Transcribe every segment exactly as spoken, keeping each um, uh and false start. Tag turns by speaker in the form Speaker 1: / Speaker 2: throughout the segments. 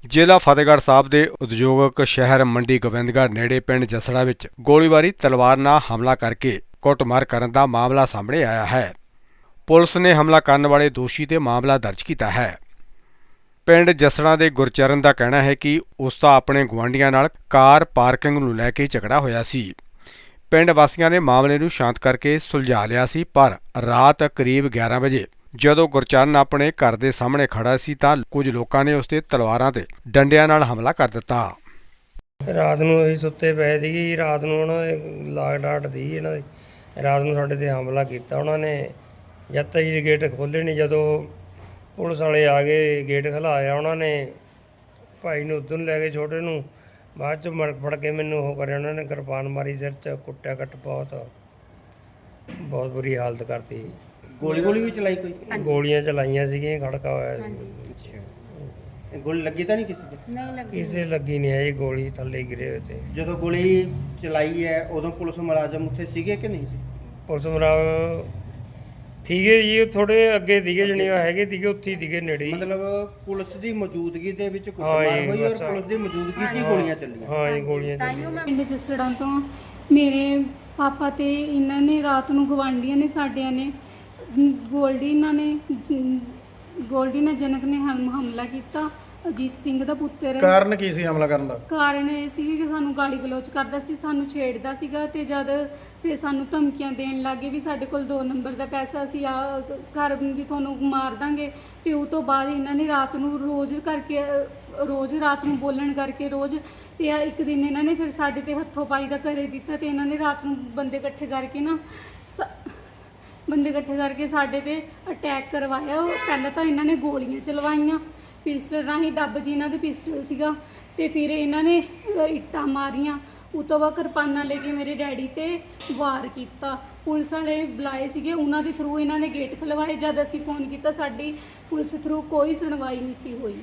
Speaker 1: ਜ਼ਿਲ੍ਹਾ ਫਤਿਹਗੜ੍ਹ ਸਾਹਿਬ ਦੇ ਉਦਯੋਗਿਕ ਸ਼ਹਿਰ ਮੰਡੀ ਗੋਬਿੰਦਗੜ੍ਹ ਨੇੜੇ ਪਿੰਡ ਜਸੜਾ ਵਿੱਚ ਗੋਲੀਬਾਰੀ ਤਲਵਾਰ ਨਾਲ ਹਮਲਾ ਕਰਕੇ ਕੁੱਟਮਾਰ ਕਰਨ ਦਾ ਮਾਮਲਾ ਸਾਹਮਣੇ ਆਇਆ ਹੈ। ਪੁਲਿਸ ਨੇ ਹਮਲਾ ਕਰਨ ਵਾਲੇ ਦੋਸ਼ੀ ਤੇ ਮਾਮਲਾ ਦਰਜ ਕੀਤਾ ਹੈ। ਪਿੰਡ ਜਸੜਾ ਦੇ ਗੁਰਚਰਨ ਦਾ ਕਹਿਣਾ ਹੈ ਕਿ ਉਸ ਦਾ ਆਪਣੇ ਗੁਆਂਢੀਆਂ ਨਾਲ ਕਾਰ ਪਾਰਕਿੰਗ ਨੂੰ ਲੈ ਕੇ ਝਗੜਾ ਹੋਇਆ ਸੀ। ਪਿੰਡ ਵਾਸੀਆਂ ਨੇ ਮਾਮਲੇ ਨੂੰ ਸ਼ਾਂਤ ਕਰਕੇ ਸੁਲਝਾ ਲਿਆ ਸੀ, ਪਰ ਰਾਤ ਕਰੀਬ ਗਿਆਰਾਂ ਵਜੇ ਜਦੋਂ ਗੁਰਚਰਨ ਆਪਣੇ ਘਰ ਦੇ ਸਾਹਮਣੇ ਖੜਾ ਸੀ ਤਾਂ ਕੁਝ ਲੋਕਾਂ ਨੇ ਉਸ ਤੇ ਤਲਵਾਰਾਂ ਤੇ ਡੰਡਿਆਂ ਨਾਲ ਹਮਲਾ ਕਰ ਦਿੱਤਾ।
Speaker 2: ਰਾਤ ਨੂੰ ਅਸੀਂ ਸੁੱਤੇ ਪਏ ਸੀਗੇ। ਰਾਤ ਨੂੰ ਉਹਨਾਂ ਦੇ ਲਾਗ ਡਾਟ ਦੀ ਇਹਨਾਂ ਦੇ ਰਾਤ ਨੂੰ ਸਾਡੇ ਤੇ ਹਮਲਾ ਕੀਤਾ ਉਹਨਾਂ ਨੇ। ਜਦ ਤੱਕ ਜੀ ਗੇਟ ਖੋਲ੍ਹੇ ਨਹੀਂ, ਜਦੋਂ ਪੁਲਿਸ ਵਾਲੇ ਆ ਗਏ ਗੇਟ ਖਲਾਇਆ ਉਹਨਾਂ ਨੇ। ਭਾਈ ਨੂੰ ਉੱਧਰ ਨੂੰ ਲੈ ਗਏ, ਛੋਟੇ ਨੂੰ ਬਾਅਦ 'ਚ ਮੜ ਫੜ ਕੇ ਮੈਨੂੰ ਉਹ ਕਰਿਆ ਉਹਨਾਂ ਨੇ, ਕਿਰਪਾਨ ਮਾਰੀ ਸਿਰ 'ਚ, ਕੁੱਟਿਆ ਕੱਟ ਬਹੁਤ ਬਹੁਤ ਬੁਰੀ ਹਾਲਤ ਕਰਤੀ।
Speaker 3: ਗੋਲੀ ਗੋਲੀ ਵੀ ਚਲਾਈ ਕੋਈ?
Speaker 2: ਗੋਲੀਆਂ ਚਲਾਈਆਂ ਸੀਗੀਆਂ, ਖੜਕਾ ਹੋਇਆ ਸੀ।
Speaker 3: ਅੱਛਾ, ਗੋਲੀ ਲੱਗੀ ਤਾਂ ਨਹੀਂ ਕਿਸੇ ਦੇ?
Speaker 4: ਨਹੀਂ ਲੱਗੀ।
Speaker 2: ਕਿਸੇ ਲੱਗੀ ਨਹੀਂ ਹੈ ਜੀ, ਗੋਲੀ ਥੱਲੇ ਗਿਰੇ ਹੋਏ ਤੇ।
Speaker 3: ਜਦੋਂ ਗੋਲੀ ਚਲਾਈ ਹੈ ਉਦੋਂ ਪੁਲਿਸ ਮੁਲਾਜ਼ਮ ਉੱਥੇ ਸੀਗੇ ਕਿ ਨਹੀਂ ਸੀ?
Speaker 2: ਪੁਲਿਸ ਮੁਲਾਜ਼ਮ ਸੀਗੇ ਜੀ, ਥੋੜੇ ਅੱਗੇ ਸੀਗੇ, ਜਣੇ ਹੈਗੇ ਸੀਗੇ, ਉੱਥੇ ਹੀ ਸੀਗੇ ਨੇੜੇ ਹੀ।
Speaker 3: ਮਤਲਬ ਪੁਲਿਸ ਦੀ ਮੌਜੂਦਗੀ ਦੇ ਵਿੱਚ
Speaker 2: ਹਾਂ
Speaker 3: ਕੁੱਟਮਾਰ
Speaker 2: ਜੀ,
Speaker 3: ਹੋਈ ਔਰ
Speaker 2: ਬਸ।
Speaker 3: ਪੁਲਿਸ ਦੀ ਮੌਜੂਦਗੀ 'ਚ ਹੀ ਗੋਲੀਆਂ ਚੱਲੀਆਂ।
Speaker 2: ਹਾਂ ਜੀ, ਗੋਲੀਆਂ
Speaker 4: ਤਾਈਓ ਮੈਂ
Speaker 5: ਪਿੰਡ ਜਸੜਾਂ ਤੋਂ ਮੇਰੇ ਪਾਪਾ ਤੇ ਇਹਨਾਂ ਨੇ ਰਾਤ ਨੂੰ ਗਵਾਂਢੀਆਂ ਨੇ ਸਾਡਿਆਂ ਨੇ ਗੋਲਡੀ ਇਹਨਾਂ ਨੇ ਜ- ਗੋਲਡੀ ਨੇ ਜਨਕ ਨੇ ਹਮ ਹਮਲਾ ਕੀਤਾ। ਅਜੀਤ ਸਿੰਘ ਦਾ ਪੁੱਤਰ ਹੈ।
Speaker 6: ਕਾਰਨ ਕੀ ਸੀ ਹਮਲਾ ਕਰਨ ਦਾ?
Speaker 5: ਕਾਰਨ ਇਹ ਸੀ ਕਿ ਸਾਨੂੰ ਗਾਲੀ ਗਲੋਚ ਕਰਦਾ ਸੀ, ਸਾਨੂੰ ਛੇੜਦਾ ਸੀਗਾ ਤੇ ਜਦ ਫਿਰ ਸਾਨੂੰ ਧਮਕੀਆਂ ਦੇਣ ਲੱਗੇ ਵੀ ਸਾਡੇ ਕੋਲ ਦੋ ਨੰਬਰ ਦਾ ਪੈਸਾ ਸੀ, ਆ ਘਰ ਵੀ ਤੁਹਾਨੂੰ ਮਾਰ ਦਾਂਗੇ। ਤੇ ਉਹ ਤੋਂ ਬਾਅਦ ਇਹਨਾਂ ਨੇ ਰਾਤ ਨੂੰ ਰੋਜ਼ ਕਰਕੇ ਰੋਜ਼ ਰਾਤ ਨੂੰ ਬੋਲਣ ਕਰਕੇ ਰੋਜ਼ ਤੇ ਆ ਇੱਕ ਦਿਨ ਇਹਨਾਂ ਨੇ ਫਿਰ ਸਾਡੇ ਤੇ ਹੱਥੋਂ ਪਾਈ ਦਾ ਕਰੇ ਦਿੱਤਾ ਤੇ ਇਹਨਾਂ ਨੇ ਰਾਤ ਨੂੰ ਬੰਦੇ ਇਕੱਠੇ ਕਰਕੇ ਨਾ ਸ- ਬੰਦੇ ਇਕੱਠੇ ਕਰਕੇ ਸਾਡੇ ਤੇ ਅਟੈਕ ਕਰਵਾਇਆ। ਉਹ ਪਹਿਲਾਂ ਤਾਂ ਇਹਨਾਂ ਨੇ ਗੋਲੀਆਂ ਚਲਵਾਈਆਂ ਪਿਸਟਲ ਰਾਹੀਂ, ਡੱਬ 'ਚ ਇਹਨਾਂ ਦੇ ਪਿਸਟਲ ਸੀਗਾ ਤੇ ਫਿਰ ਇਹਨਾਂ ਨੇ ਇੱਟਾਂ ਮਾਰੀਆਂ। ਉਹ ਤੋਂ ਬਾਅਦ ਕਿਰਪਾਨਾਂ ਲੈ ਕੇ ਮੇਰੇ ਡੈਡੀ ਤੇ ਵਾਰ ਕੀਤਾ। ਪੁਲਿਸ ਵਾਲੇ ਬੁਲਾਏ ਸੀਗੇ, ਉਹਨਾਂ ਦੇ ਥਰੂ ਇਹਨਾਂ ਨੇ ਗੇਟ ਖਲਵਾਏ। ਜਦ ਅਸੀਂ ਫੋਨ ਕੀਤਾ ਸਾਡੀ ਪੁਲਿਸ ਥਰੂ ਕੋਈ ਸੁਣਵਾਈ ਨਹੀਂ ਸੀ ਹੋਈ।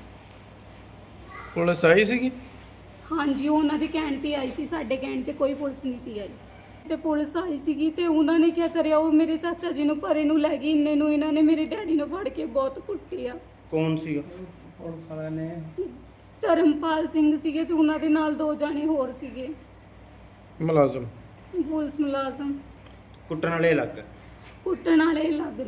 Speaker 6: ਪੁਲਿਸ ਆਈ ਸੀਗੀ?
Speaker 5: ਹਾਂਜੀ, ਉਹ ਉਹਨਾਂ ਦੇ ਕਹਿਣ ਤੇ ਆਈ ਸੀ, ਸਾਡੇ ਕਹਿਣ ਤੇ ਕੋਈ ਪੁਲਿਸ ਨਹੀਂ ਸੀ ਆਈ। ਤੇ ਪੁਲਿਸ ਆਈ ਸੀਗੀ ਤੇ ਉਹਨਾਂ ਨੇ ਕੀ ਕਰਿਆ, ਉਹ ਮੇਰੇ ਚਾਚਾ ਜੀ ਨੂੰ ਪਰੇ ਨੂੰ ਲੈ ਗਈ। ਇੰਨੇ ਨੂੰ ਇਹਨਾਂ ਨੇ ਮੇਰੇ ਡੈਡੀ ਨੂੰ ਫੜ ਕੇ ਬਹੁਤ ਕੁੱਟਿਆ।
Speaker 3: ਕੌਣ ਸੀਗਾ?
Speaker 2: ਪੁਲਿਸ ਵਾਲਿਆਂ ਨੇ
Speaker 5: ਧਰਮਪਾਲ ਸਿੰਘ ਸੀਗੇ ਤੇ ਉਹਨਾਂ ਦੇ ਨਾਲ ਦੋ ਜਾਣੇ ਹੋਰ ਸੀਗੇ
Speaker 6: ਮੁਲਾਜ਼ਮ?
Speaker 5: ਪੁਲਿਸ ਮੁਲਾਜ਼ਮ।
Speaker 3: ਕੁੱਟਣ ਵਾਲੇ ਅਲੱਗ?
Speaker 5: ਕੁੱਟਣ ਵਾਲੇ ਅਲੱਗ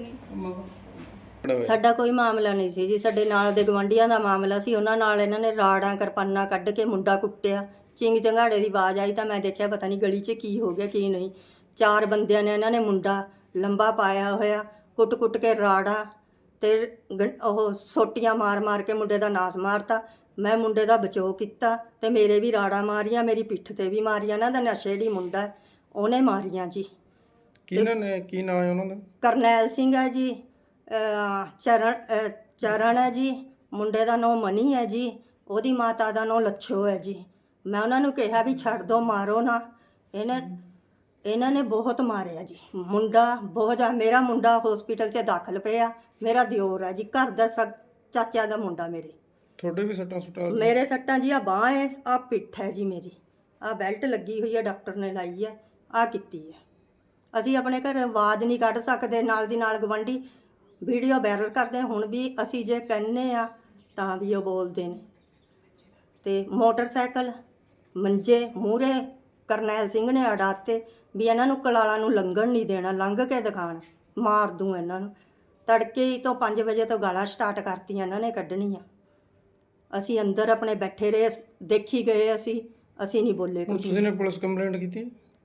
Speaker 5: ਨੇ।
Speaker 4: ਸਾਡਾ ਕੋਈ ਮਾਮਲਾ ਨਹੀਂ ਸੀ ਜੀ, ਸਾਡੇ ਨਾਲ ਦੇ ਗਵਾਂਢੀਆਂ ਦਾ ਮਾਮਲਾ ਸੀ। ਉਹਨਾਂ ਨਾਲ ਇਹਨਾਂ ਨੇ ਰਾੜਾਂ ਕਿਰਪਾਨਾਂ ਕੱਢ ਕੇ ਮੁੰਡਾ ਕੁੱਟਿਆ। ਚਿੰਗ ਚੰਗਾੜੇ ਦੀ ਆਵਾਜ਼ ਆਈ ਤਾਂ ਮੈਂ ਦੇਖਿਆ ਪਤਾ ਨਹੀਂ ਗਲੀ 'ਚ ਕੀ ਹੋ ਗਿਆ ਕੀ ਨਹੀਂ। ਚਾਰ ਬੰਦਿਆਂ ਨੇ ਇਹਨਾਂ ਨੇ ਮੁੰਡਾ ਲੰਬਾ ਪਾਇਆ ਹੋਇਆ, ਕੁੱਟ ਕੁੱਟ ਕੇ ਰਾੜਾਂ ਤੇ ਗ- ਉਹ ਸੋਟੀਆਂ ਮਾਰ ਮਾਰ ਕੇ ਮੁੰਡੇ ਦਾ ਨਾਸ ਮਾਰਤਾ। ਮੈਂ ਮੁੰਡੇ ਦਾ ਬਚਾਓ ਕੀਤਾ ਤੇ ਮੇਰੇ ਵੀ ਰਾੜਾਂ ਮਾਰੀਆਂ, ਮੇਰੀ ਪਿੱਠ ਤੇ ਵੀ ਮਾਰੀਆਂ। ਇਹਨਾਂ ਦਾ ਨਸ਼ੇੜੀ ਮੁੰਡਾ ਹੈ, ਉਹਨੇ ਮਾਰੀਆਂ ਜੀ।
Speaker 6: ਕਿਹਨਾਂ ਨੇ, ਕੀ ਨਾਮ ਹੈ ਉਹਨਾਂ ਦਾ?
Speaker 4: ਕਰਨੈਲ ਸਿੰਘ ਹੈ ਜੀ, ਅਹ ਚਰਨ ਅਹ ਚਰਨ ਹੈ ਜੀ, ਮੁੰਡੇ ਦਾ ਨਾਂ ਮਨੀ ਹੈ ਜੀ, ਉਹਦੀ ਮਾਤਾ ਦਾ ਨਾਂ ਲੱਛੋ ਹੈ ਜੀ। ਮੈਂ ਉਹਨਾਂ ਨੂੰ ਕਿਹਾ ਵੀ ਛੱਡ ਦਿਓ, ਮਾਰੋ ਨਾ। ਇਹਨਾਂ ਇਹਨਾਂ ਨੇ ਬਹੁਤ ਮਾਰਿਆ ਜੀ ਮੁੰਡਾ, ਬਹੁਤ ਜ਼ਿਆਦਾ। ਮੇਰਾ ਮੁੰਡਾ ਹਸਪੀਟਲ 'ਚ ਦਾਖਲ ਪਿਆ। ਮੇਰਾ ਦਿਓਰ ਹੈ ਜੀ, ਘਰ ਦਾ ਸਗ ਚਾਚਾ ਦਾ ਮੁੰਡਾ ਮੇਰੇ।
Speaker 6: ਤੁਹਾਡੇ ਵੀ ਸੱਟਾਂ ਸੁੱਟਾਂ?
Speaker 4: ਮੇਰੇ ਸੱਟਾਂ ਜੀ, ਆ ਬਾਂਹ ਹੈ, ਆ ਪਿੱਠ ਹੈ ਜੀ ਮੇਰੀ, ਆ ਬੈਲਟ ਲੱਗੀ ਹੋਈ ਹੈ, ਡਾਕਟਰ ਨੇ ਲਾਈ ਹੈ, ਆ ਕੀਤੀ ਹੈ। ਅਸੀਂ ਆਪਣੇ ਘਰ ਆਵਾਜ਼ ਨਹੀਂ ਕੱਢ ਸਕਦੇ। ਨਾਲ ਦੀ ਨਾਲ ਗਵਾਂਢੀ ਵੀਡੀਓ ਵਾਇਰਲ ਕਰਦੇ। ਹੁਣ ਵੀ ਅਸੀਂ ਜੇ ਕਹਿੰਦੇ ਆ ਤਾਂ ਵੀ ਉਹ ਬੋਲਦੇ ਨੇ। ਤੇ ਮੋਟਰਸਾਈਕਲ ਮੰਜੇ ਮੂਹਰੇ ਕਰਨੈਲ ਸਿੰਘ ਨੇ ਅੜਾਤੇ ਵੀ ਇਹਨਾਂ ਨੂੰ ਕਲਾਲਾ ਨੂੰ ਲੰਘਣ ਨਹੀਂ ਦੇਣਾ, ਲੰਘ ਕੇ ਦਿਖਾਣ, ਮਾਰ ਦੂੰ ਇਹਨਾਂ ਨੂੰ। ਤੜਕੇ ਹੀ ਤੋਂ ਪੰਜ ਵਜੇ ਤੋਂ ਗਾਲਾਂ ਸਟਾਰਟ ਕਰਤੀਆਂ ਇਹਨਾਂ ਨੇ ਕੱਢਣੀਆਂ। ਅਸੀਂ ਅੰਦਰ ਆਪਣੇ ਬੈਠੇ ਰਹੇ, ਦੇਖੀ ਗਏ। ਅਸੀਂ ਅਸੀਂ ਨਹੀਂ ਬੋਲੇ
Speaker 6: ਹੁਣ
Speaker 4: ਕੁਝ।
Speaker 6: ਤੁਸੀਂ ਨੇ ਪੁਲਿਸ ਕੰਪਲੇਂਟ ਕੀਤੀ?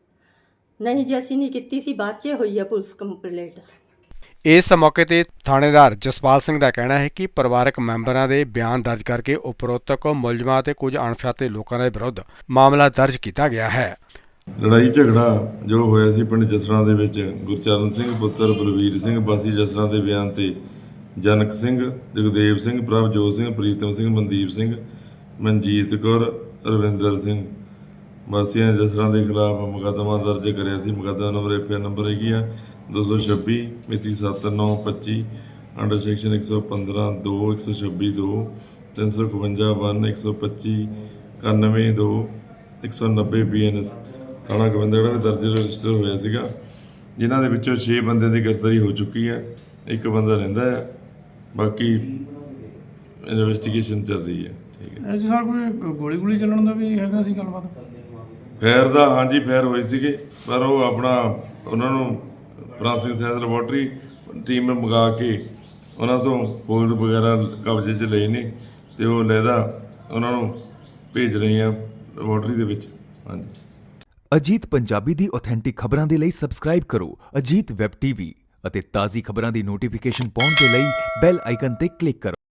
Speaker 4: ਨਹੀਂ ਜੀ, ਅਸੀਂ ਨਹੀਂ ਕੀਤੀ ਸੀ, ਬਾਅਦ 'ਚ ਹੋਈ ਹੈ ਪੁਲਿਸ ਕੰਪਲੇਂਟ।
Speaker 1: ਇਸ ਮੌਕੇ ਤੇ ਥਾਣੇਦਾਰ ਜਸਪਾਲ ਸਿੰਘ ਦਾ ਕਹਿਣਾ ਹੈ ਕਿ ਪਰਿਵਾਰਕ ਮੈਂਬਰਾਂ ਦੇ ਬਿਆਨ ਦਰਜ ਕਰਕੇ ਉਪਰੋਕਤ ਮੁਲਜ਼ਮਾਂ ਤੇ ਕੁਝ ਅਣਪਛਾਤੇ ਲੋਕਾਂ ਦੇ ਵਿਰੁੱਧ ਮਾਮਲਾ ਦਰਜ ਕੀਤਾ ਗਿਆ ਹੈ।
Speaker 7: ਲੜਾਈ ਝਗੜਾ ਜੋ ਹੋਇਆ ਸੀ ਪਿੰਡ ਜਸੜਾਂ ਦੇ ਵਿੱਚ ਗੁਰਚਰਨ ਸਿੰਘ ਪੁੱਤਰ ਬਲਵੀਰ ਸਿੰਘ ਵਾਸੀ ਜਸੜਾਂ ਦੇ ਬਿਆਨ ਤੇ ਜਨਕ ਸਿੰਘ, ਜਗਦੇਵ ਸਿੰਘ, ਪ੍ਰਭਜੋਤ ਸਿੰਘ, ਪ੍ਰੀਤਮ ਸਿੰਘ, ਮਨਦੀਪ ਸਿੰਘ, ਮਨਜੀਤ ਕੌਰ, ਰਵਿੰਦਰ ਸਿੰਘ ਵਾਸੀਆਂ ਜਸੜਾਂ ਦੇ ਖਿਲਾਫ ਮੁਕੱਦਮਾ ਦਰਜ ਕਰਿਆ ਸੀ। ਮੁਕੱਦਮਾ number F I R number ਹੈਗੀ ਆ ਦੋ ਸੌ ਛੱਬੀ ਮਿਤੀ ਸੱਤ ਨੌ ਪੱਚੀ ਅੰਡਰ ਸੈਕਸ਼ਨ ਇੱਕ ਸੌ ਪੰਦਰਾਂ ਦੋ ਇੱਕ ਸੌ ਛੱਬੀ ਦੋ ਤਿੰਨ ਸੌ ਇਕਵੰਜਾ ਵਨ ਇੱਕ ਸੌ ਪੱਚੀ ਇਕਾਨਵੇਂ ਦੋ ਇੱਕ ਸੌ ਨੱਬੇ ਪੀ ਐਨ ਐਸ ਥਾਣਾ ਗੋਬਿੰਦਗੜ੍ਹ ਵਿੱਚ ਦਰਜ ਰਜਿਸਟਰ ਹੋਇਆ ਸੀਗਾ, ਜਿਨ੍ਹਾਂ ਦੇ ਵਿੱਚੋਂ ਛੇ ਬੰਦਿਆਂ ਦੀ ਗ੍ਰਿਫਤਾਰੀ ਹੋ ਚੁੱਕੀ ਹੈ। ਇੱਕ ਬੰਦਾ ਰਹਿੰਦਾ ਹੈ, ਬਾਕੀ ਇਨਵੈਸਟੀਗੇਸ਼ਨ ਚੱਲ ਰਹੀ ਹੈ।
Speaker 6: ਇਹ 'ਚ ਸਰ ਕੋਈ ਗੋਲੀ ਗੋਲੀ ਚੱਲਣ ਦਾ ਵੀ ਹੈਗਾ ਸੀ ਗੱਲਬਾਤ?
Speaker 7: ਫੈਰ ਦਾ ਹਾਂਜੀ ਫੈਰ ਹੋਏ ਸੀਗੇ, ਪਰ ਉਹ ਆਪਣਾ ਉਹਨਾਂ ਨੂੰ ਫਰਾਂਸਿਕ ਸਾਇੰਸ ਲੈਬੋਰਟਰੀ ਟੀਮ ਮੰਗਾ ਕੇ ਉਹਨਾਂ ਤੋਂ ਫੋਲਡ ਵਗੈਰਾ ਕਬਜ਼ੇ 'ਚ ਲਏ ਨੇ ਤੇ ਉਹ ਲਹਿਦਾ ਉਹਨਾਂ ਨੂੰ ਭੇਜ ਰਹੇ ਆ ਲੈਬੋਰਟਰੀ ਦੇ ਵਿੱਚ। ਹਾਂਜੀ।
Speaker 8: ਅਜੀਤ ਪੰਜਾਬੀ ਦੀ ਆਥੈਂਟਿਕ ਖਬਰਾਂ ਦੇ ਲਈ ਸਬਸਕ੍ਰਾਈਬ ਕਰੋ ਅਜੀਤ ਵੈਬ ਟੀਵੀ ਅਤੇ ਤਾਜ਼ੀ ਖਬਰਾਂ ਦੀ ਨੋਟੀਫਿਕੇਸ਼ਨ ਪਾਉਣ ਦੇ ਲਈ ਬੈਲ ਆਈਕਨ ਤੇ ਕਲਿੱਕ ਕਰੋ।